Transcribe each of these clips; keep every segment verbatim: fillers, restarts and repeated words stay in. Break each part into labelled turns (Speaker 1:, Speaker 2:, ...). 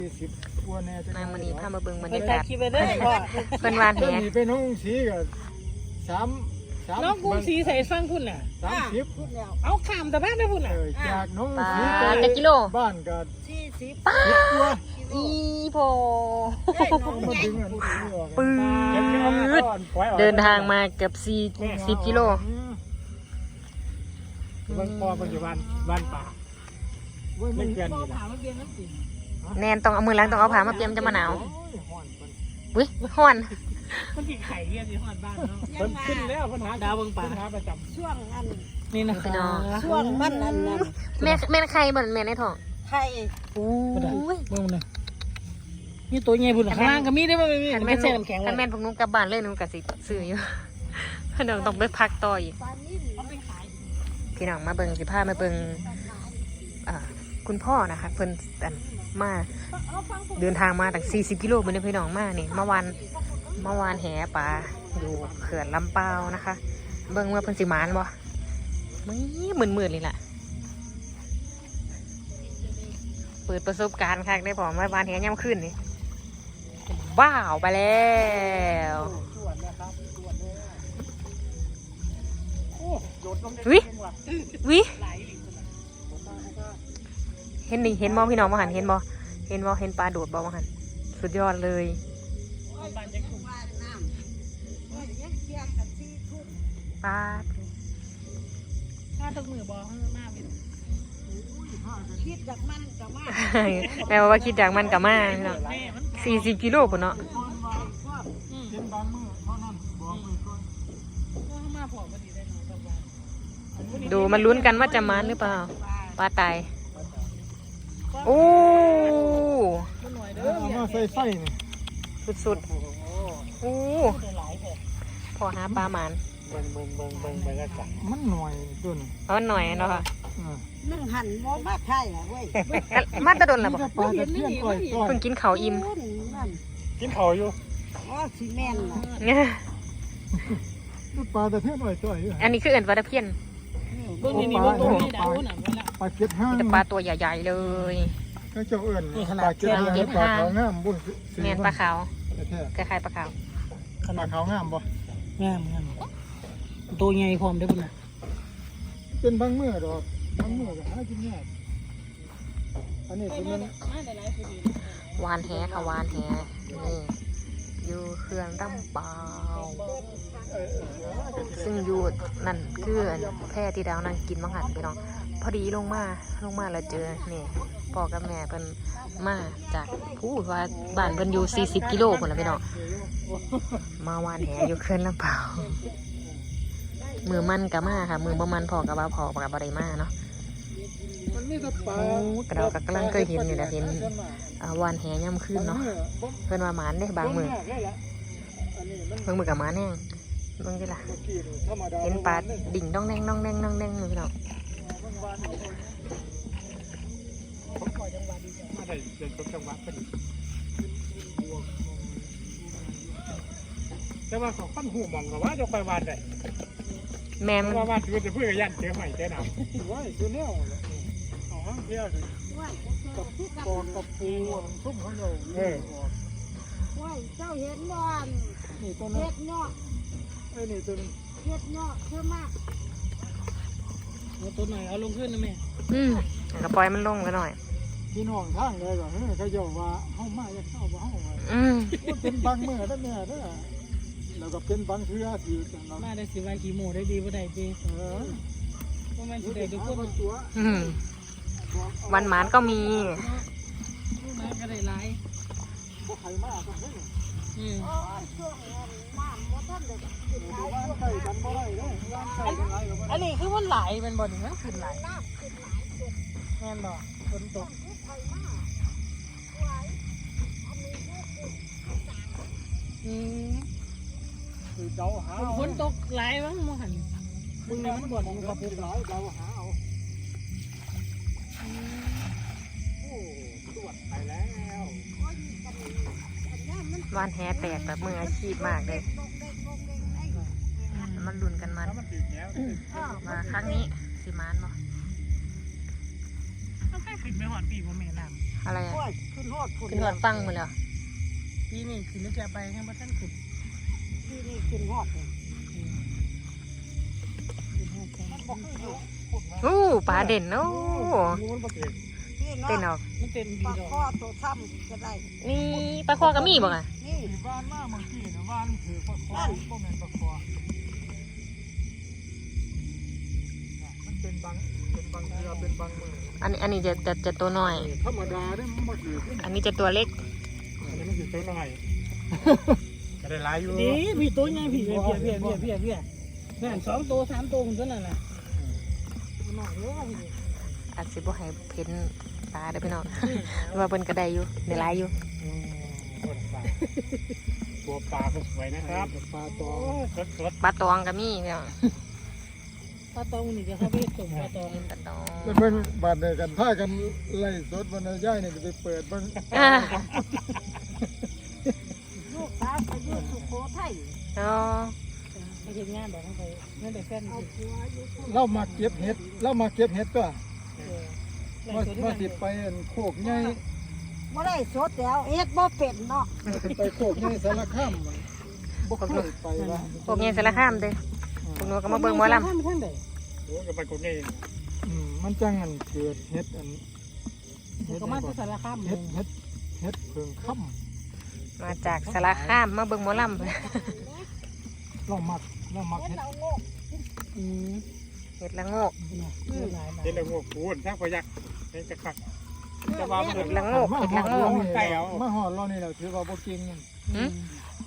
Speaker 1: นางมณีพามาเบิ่งบรรยากาศ
Speaker 2: คิดไปเด้อพ่อ
Speaker 1: เพิ่นวานแห
Speaker 3: ไปน้องสีก็สามสาม
Speaker 2: น้องกุ้งสีใส่ฟังพุ่นน่ะ
Speaker 3: สามสิบ
Speaker 2: เอาข้ามแต่บ้านได้พุ่นน่ะ
Speaker 3: จากน้อง
Speaker 1: ปลา
Speaker 3: สี
Speaker 1: จักกิโล
Speaker 3: บ้านก็
Speaker 2: สี่สิบ
Speaker 1: ป้า
Speaker 3: ตัว
Speaker 1: อีโพ
Speaker 3: มาดึงอัน
Speaker 1: ปืดเดินทางมาเกือบสี่สิบกิโล
Speaker 3: บ้านพ่อมันอยู่บ้านบ้านป่าไม่เกิน
Speaker 2: พ่อ
Speaker 3: นี่แหละ
Speaker 2: ถามว่าเบียนน้ำสิ
Speaker 1: แนนต้องเอามือล้างต้องเอาผ้ามาเตรียมจะมาหนาวอุ้ยฮ้อน
Speaker 2: มันกินไข่เรียนที่ฮอดบ้านเนาะ
Speaker 3: เพิ่นขึ้นแล้วปัญหา
Speaker 2: ดาวเบิ่งป่า
Speaker 3: ปัญหาประจ
Speaker 4: ช่วงอัน
Speaker 2: นี่นะ
Speaker 1: พี่น้อง
Speaker 4: ช่วงมันอันนั้น
Speaker 1: แม่แม่ใครบ่แม่ในท้อง
Speaker 4: ไข่
Speaker 1: อู้ย
Speaker 2: เบิ่งเลยนี่ตัวใหญ่พุ่นข้างล่างก็มีได้บ่มี
Speaker 1: คัน
Speaker 2: ไม่
Speaker 1: แม่น
Speaker 2: ใช่น้ำแข็ง
Speaker 1: คันแม่นพวกหนุ้งกลับบ้านเลยหนุ้งกะสิซื้ออยู่ พี่น้องต้องไปพักต่ออีก
Speaker 4: ปลานิ่ม
Speaker 2: เอาไปขาย
Speaker 1: พี่น้องมาเบิ่งสิพามาเบิ่งอ่าคุณพ่อนะคะเพิ่นอันมาเดินทางมาตั้งสี่สิบกิโลมื้อนี้พี่น้องมานี่เมื่อวานเมื่อวานแหปลาอยู่เขื่อนลำเปาวนะคะ เบิ่งว่าเพิ่นสิหมานบ่มึหมื่นๆนี่แหละเปิดประสบการณ์ค่ะได้พอเมื่อวานแหย่ำขึ้นนี่ว้าวไปแล้ววิวิเห็นดิเห็นมองพี่น้องมาหันเห็นบ่เห็นบ่เห็นปลาโดดบ่มาหันสุดยอดเลย
Speaker 2: บ้านจะถูก
Speaker 4: ว่าน้ำว่ายังเคียงกันที่ทุ่ม
Speaker 1: ปลา
Speaker 2: ถ้าตกมือบ่ข้างหน้าเป็น
Speaker 4: คิดจากมันกับมา
Speaker 1: แม่ว่าคิดจากมันกับมาพี่น้อง
Speaker 2: แม่มัน
Speaker 1: สี่สิบกิโลปุ่นเนาะ
Speaker 2: อืม
Speaker 3: เป็นบางมื้อเท่านั้นบอกไปก่อน
Speaker 2: ก็มาพอพอดีได้เนาะตกบ้าน
Speaker 1: ดูมันลุ้นกันว่าจะมันหรือเปล่าปลาตายโอ้
Speaker 2: มันหน่อยเด้
Speaker 3: เอา
Speaker 2: อ
Speaker 3: มาใส่ไส้นี่
Speaker 1: สุดๆโอ้
Speaker 2: หลายแท้
Speaker 1: พอหาปลาหมาน
Speaker 3: เบิ่งเบิ่งเบิ่งเบิ่งบรรยากาศมันหน่อยตัวนี้
Speaker 1: เอาหน่อยเนาะค่ะ
Speaker 4: นึ่งหั่นบ่มาไทยอ่ะเว้ย
Speaker 1: มาตะดนละบ่
Speaker 3: ปลาตะเพียนก้อยก้อย
Speaker 1: เพิ่งกินข้าวอิ่ม
Speaker 4: นั่น
Speaker 3: กินข้าวอยู่
Speaker 4: อ๋อซีเมนต์น่ะ
Speaker 1: เนี่ย
Speaker 3: ปลาตะเพียนก้อยก้อยอยู่
Speaker 1: อันนี้คือเอิ่นปลาตะเพียน
Speaker 2: เบิ่งนี่นี่เบิ่งตรงนี้ดาวน่ะเวลา
Speaker 3: ปลาเก็ดห้าง
Speaker 1: แต่ปลาตัวใหญ่ๆเลย
Speaker 3: ก็เจ้าเอิ้นปลาเก็ดห้างปลาขาวงามบุญ
Speaker 1: แมนปลาขาว
Speaker 3: แท้
Speaker 1: คล้ายๆปลาขาว
Speaker 3: ขนาดขาวงามบ่
Speaker 2: งามงามตัวใหญ่พร้อมได้พุ่นน่ะ
Speaker 3: เป็นบางมื้อดอกบางมื้อก็หากินยากอันนี้คือมัน
Speaker 2: มาได้หลายพอดี
Speaker 1: วานแหค่ะวานแหนี่อยู่เครื่องดำเปล่าซึ่งอยู่นั่นคือแพร่ที่ดาวนั่งกินมังหันไปน้องพอดีลงมาลงมาแล้วเจอนี่พ่อกับแม่เพิ่นมาจากผู้ว่าบ้านเพิ่นอยู่สี่สิบกิโลพุ่นละพี่น้องมาวานแหอยู่เครื่องลำเปล่ามือมันกับมาค่ะมือบ่มันพอกับว่าพอกับบ่ได้มาเนาะ
Speaker 3: มันมีแต่ปลา
Speaker 1: โอ้กระดอกกำลังเคยเห็นนี่แหละเห็นอ่าวานแหย่ำขึ้นเนาะเพิ่นว่าหมานได้บางมือเพิ่งมือกับหมาแน่งเบิ่งดิล่ะเห็นปลาดิ่งน้องแดงน้องแดงน้องแดงเลยพี่น้อง
Speaker 3: มาได้เดินจังหวัดเป็นแต่ว่าของปั้นหูมองกับว่าจะไปวานได้
Speaker 1: แม่ม
Speaker 3: ว่าว่าคือจะเพื่อยันเจอใหม่เจอหนาวว่าคือแนวเอาห้างเที่ยวสิกับกองกับปูซุ่มเขาเราเออ
Speaker 4: ว่าเจ้าเห็นบ่อน
Speaker 3: นี่ตัวนั้
Speaker 4: เฮ็
Speaker 3: น
Speaker 4: ดเนาะ
Speaker 3: ไอ้นี่ตัวนี้
Speaker 4: เฮ็ดเนาะเชื่อมาก
Speaker 2: เอาตัวหน่อยเอาลงขึ้นนะแม่
Speaker 1: อืมก็ปล่อยมันลงกันหน่อย
Speaker 3: พี่น้องทางเลยก่อนเฮ้ยเขาเยาว่าเฮามาอยากเข้าบ่เฮาว่า
Speaker 1: อืม
Speaker 3: เป็นบางมื้อแล้วแม่เด้อแล้วก็เป็นบางเทื่อที่จังนั้น
Speaker 2: มาได้สิว่ากี่โมได้ดีบ่ได้ดี
Speaker 3: เออ
Speaker 2: เพราะมันสิได้ทุกคน
Speaker 3: ตัว
Speaker 1: อืมวันหมานก็มี
Speaker 2: มาก็ได้หลาย
Speaker 3: บ่ใครมาก็เฮ้ย
Speaker 2: อืม
Speaker 4: โอ้ยช่วงนั้นน้ำบ่ทันได้กินหลาย
Speaker 3: ว่านใส่กันบ่ได้เด้อว่านใส่กันหลายก็บ่
Speaker 2: อันนี้คือมันหลายมันบ่นี่มันขึ้นหลาย
Speaker 4: น้ำขึ้นหลายจุด
Speaker 2: แม่นบ่ฝนตก
Speaker 4: ที่ไทยมากหลายอันนี้คือ
Speaker 2: อืม
Speaker 3: คือเดาหา
Speaker 2: ฝนตกหลายมั้งมั้งหันมึงนี่มันบ่นมันก็ปลูก
Speaker 3: หลายเดาหาเอาโอ้ตรวจไปแล้ว
Speaker 4: คนกันอันนี้มัน
Speaker 1: วานแหแตกแบบมืออาชีพมากเลย
Speaker 4: ลงเด้งลงเด้งไอ้
Speaker 1: มันลุ้นกันมัน
Speaker 3: แล้วมันติดแล้ว
Speaker 4: อ้อ
Speaker 1: มาครั้งนี้สิมานบ่
Speaker 2: มันแค่ขึ้นไปหอดปีบ่แม่น้ำ
Speaker 1: อะไรอ่ะ
Speaker 4: โอ้ยขึ้นฮอดพุ่น
Speaker 1: ขึ้นหอดฟังหมดแล้ว
Speaker 2: ปีนี้ขึ้นแล้วจะไปให้มาท่านขึ้น
Speaker 4: ที่นี่ขึ้นฮอดเลยมันบ่ขึ้นอยู่
Speaker 1: อู้ปลาเด่นโอ้
Speaker 3: มันบ่เก่ง
Speaker 4: ที่เนาะ
Speaker 1: เต้นออก
Speaker 2: มันเต็ม
Speaker 4: ป
Speaker 2: ดี
Speaker 4: ลา
Speaker 2: ดอก
Speaker 4: ข้อตัวซ้ำก็ได้
Speaker 1: นี่ปลาคอก็มีบ่อ่ะ
Speaker 4: นี่
Speaker 3: ที่บ้านมาเมื่อกี้นะบ้านถือปลาคอบ่แม่นปลาคอมันเป็นบางเป็นบางเรือเป็นบางมือ
Speaker 1: อันนี้อันนี้จะจะจะตัวน้อย
Speaker 3: ธรรมดาเด้มันบ่ถือ
Speaker 1: อันนี้จะตัวเล็ก
Speaker 3: อันนี้มันสิตัวน้อยก็ได้หลายอยู่
Speaker 2: ดีพี่ตัวใหญ่พี่เพี้ยเพี้ยเพี้ยเพี้ยเพี้ยแม่นสองตัวสามตัวคนนั้นน่ะหน่อยเด้อพี่
Speaker 1: อาจสิบ่ให้เพ้นปลาเด้อพี่น้อง ว่าเพิ่นก็ได้อยู่ได้หลายอยู่
Speaker 3: อืมตัวปลาตัวปลาก็สวยนะครับปลาตัวสด
Speaker 1: ปลาตองก็มีพี่น้อง
Speaker 2: ปลาตองนี่จะเข้าไปส่งปลาตอง
Speaker 1: ปลาตอง
Speaker 5: แล้วเพิ่นบาดเดียวกันพากันไล่สดวันย่ายนี่ก็ไปเปิดเบิ่ง
Speaker 1: อ่า
Speaker 4: ลูกสาวไปอยู่สุโขทัย
Speaker 1: อ๋อ
Speaker 2: ไปเห็นงานแบบนั้นไปนั่นแต่แฟน
Speaker 4: เอาผัวอยู่พุ่น
Speaker 5: เรามาเก็บเห็ดเรามาเก็บเห็ดก็
Speaker 2: เออ
Speaker 5: ว่าว่าสิไปอันโคกใหญ่
Speaker 4: บ่ได้สดแล้วเอ็ดบ่เป็นเนาะ
Speaker 5: ไปโคกใหญ่สารคามบ่เคยไปว่า
Speaker 1: พวกนี้สารคามเด้อพวกหนูก็มาเบิ่งหมอลำ
Speaker 2: ท่านท่านใด
Speaker 3: ๆโอ้ก็ไปกดนี่
Speaker 5: อืมมันจังอันเกิดเห็ดอันเห็ด
Speaker 2: ก็มาที่สารคาม
Speaker 5: เห็ดเห็ดเห็ดเพิงค่ำ
Speaker 1: มาจากสารคามมาเบิ่งหมอลำ
Speaker 5: เรามักเรามัก
Speaker 4: เอ็ด
Speaker 5: เห็ด
Speaker 4: เอาโงก
Speaker 2: อืม
Speaker 1: เห็ดละโงก
Speaker 2: หลาย
Speaker 3: เห็นแล้วงวกปูนช่างพยักเห็นจะคักจะว่ามัน
Speaker 1: เห็ดละโงก
Speaker 5: มา
Speaker 1: เห็ด
Speaker 5: ห
Speaker 1: ละ
Speaker 5: อด
Speaker 1: โง
Speaker 5: เรา
Speaker 1: ก
Speaker 5: นี่
Speaker 3: ไก่เอา
Speaker 5: มาหอดเรานี่เราถือว่าบ่เก่ง
Speaker 1: หืม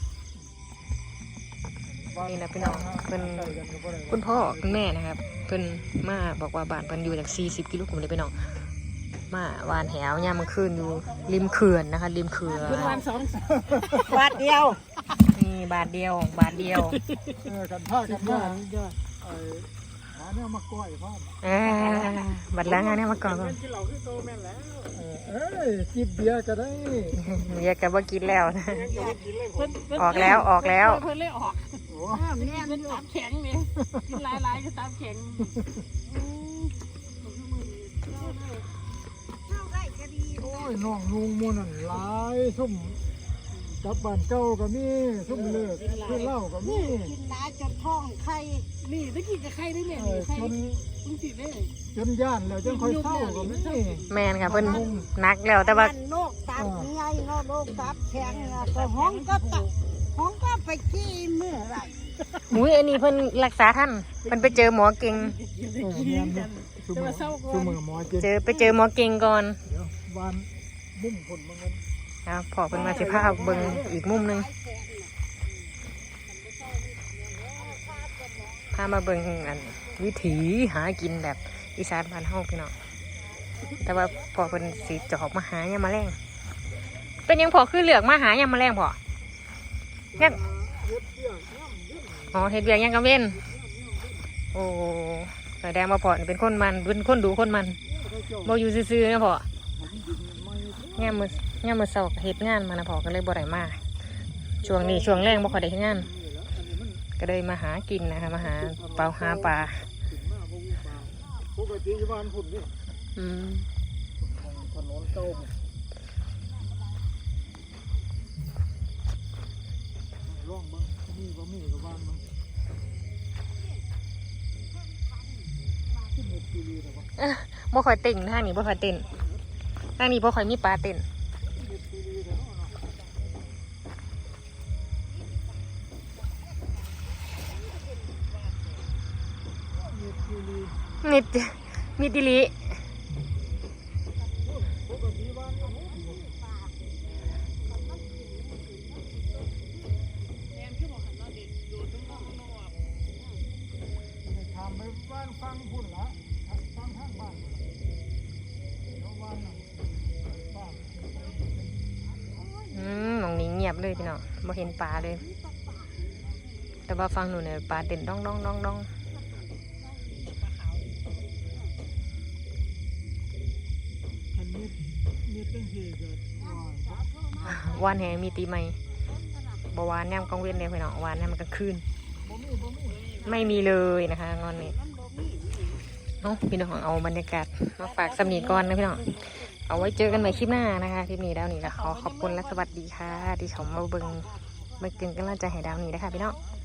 Speaker 1: นี่นะพี่น้องเพิ่น คุณพ่อคุณแม่นะครับเพิ่นมาบอกว่าบ้านเพิ่นอยู่จากสี่สิบกิโลผมเลยไปน้องมาวานแหวยามมื้อคืนอยู่ริมเขื่อนนะคะริมเขื่อน
Speaker 2: คุณวันสอง
Speaker 4: บาทเดียว
Speaker 1: นี่บาทเดียวบาทเดียว
Speaker 5: เออกันพากัน
Speaker 2: ย
Speaker 5: มา
Speaker 2: อดยอด
Speaker 5: ไอ้หาแนวมาก้อยพร้อม
Speaker 1: อ่าบัดแล้วงานนี้มาก่อน
Speaker 3: เป็นกินเหล้าคือโตแม่นแล้ว
Speaker 5: เออเอ้ยจิบเบียร์ก็ได้
Speaker 1: เรียกกันว่ากินแล้วนะ
Speaker 3: ยังจะกินเลยผม
Speaker 1: ออกแล้วออกแล้ว
Speaker 2: เพิ่นเลยออก
Speaker 5: โอ้
Speaker 2: อ้าวแม่เป็นตับแข็งนี่กินหลายๆก็ตับแข็ง
Speaker 4: เข้าได้ก็ดี
Speaker 5: โอ้ยน้องลุงมูนั่นหลายซุ่มกลับบ้านเก่าก็มีซุ่มเลิกเพื่อนเล่าก็มี
Speaker 4: กินหลายจนท้องไข่
Speaker 2: นี่ตะกี้กับใครได้แม่
Speaker 5: เออ
Speaker 2: ใคร
Speaker 5: จน
Speaker 2: มึงสิได้
Speaker 5: จนย่านแล้วจังค่อยเศร้าก็มี
Speaker 1: แมนค่ะเพิ่นนักแล้วแต่ว่า
Speaker 4: มันโรคตับใหญ่เนาะโรคตับแข็งอะก็ห้องก็ตะห้องก็ไปขี้เมื่อไหร
Speaker 1: อุ้ยอันนี้เพิ่นรักษาท่านเพิ่นไปเจอหมอเก่ง
Speaker 5: เออแม่นเด้อซุ่มอซุ่มอหมอเจ็ด
Speaker 1: เจอไปเจอหมอเก่งก่อน
Speaker 5: เดี๋ยววานมุมผลมันเงิน
Speaker 1: ครับพอเพิ่นมาสิพาเบิ่งอีกมุมหนึงพามาเบิ่งอันวิถีหากินแบบอีสานบ้านเฮาพี่น้องแต่ว่าพอเพิ่นสิจะออกมาหายามแมลงเป็นหยังพอคือเลือกมาหายามแมลงพอยังอ๋อเฮ็ดเวียกยังกังเว้นโอ้แสดงว่าพอนี่เป็นคนมันเป็นคนดูคนมันบ่อยู่ซื่อๆนะพอย่ามมื้อย่ามมื้อเช้าก็เฮ็ดงานมานะพอก็เลยบ่ได้มาช่วงนี้ช่วงแรงบ่ค่อยได้เฮ็ดงาน ก็เลยมาหากินนะคะมาหาเปลาหาปลา
Speaker 5: ปกติอยู่บ้านพุ่นนี่
Speaker 1: อืม
Speaker 5: ถนนเก่าร่องบ้างมีบ่มีกับบ้านมั้งขึ้นเม็ดซีรีส์นะวะ
Speaker 1: บ่ค่อยเต้นทางนี้บ่ค่อยเต้นทางนี้บ่ค่อยมีปลาเต้น
Speaker 5: เม็ดซีรีส์นะเนาะเนาะเม็ดซีรีส์
Speaker 1: มิดมิดดิลิ
Speaker 5: ปกติบ้านก็พุ่นอยู่ทำไปบ้านฟังพุ่นละฟังข้างบ้านพุ่นละเดี๋ยวบ้านน่ะบ้าน
Speaker 1: อืมหมองนี้เงียบเลยพี่น้องบ่เห็นปลาเลย แต่ว่าฟังหนูเนี่ยปลาเต้นดองดองดองดอง
Speaker 5: อันนี้มีตั้งสี่เกิดว่า
Speaker 1: วานแหมีตีไหมบ่วานแนมกลางเว้นเลยพี่น้องวานแนมกลางคืน
Speaker 5: บ่มีบ่มี
Speaker 1: ไม่มีเลยนะคะงอนนี้เอ้าพี่น้องเอาบรรยากาศมาฝากสำนีก่อนนะพี่น้องเอาไว้เจอกันใหม่คลิปหน้านะคะคลิปนี้ดาวนี้ก็ขอขอบคุณและสวัสดีค่ะ ที่ชมมาเบิ่งมากินกำลังใจให้ดาวนี้นะคะพี่น้อง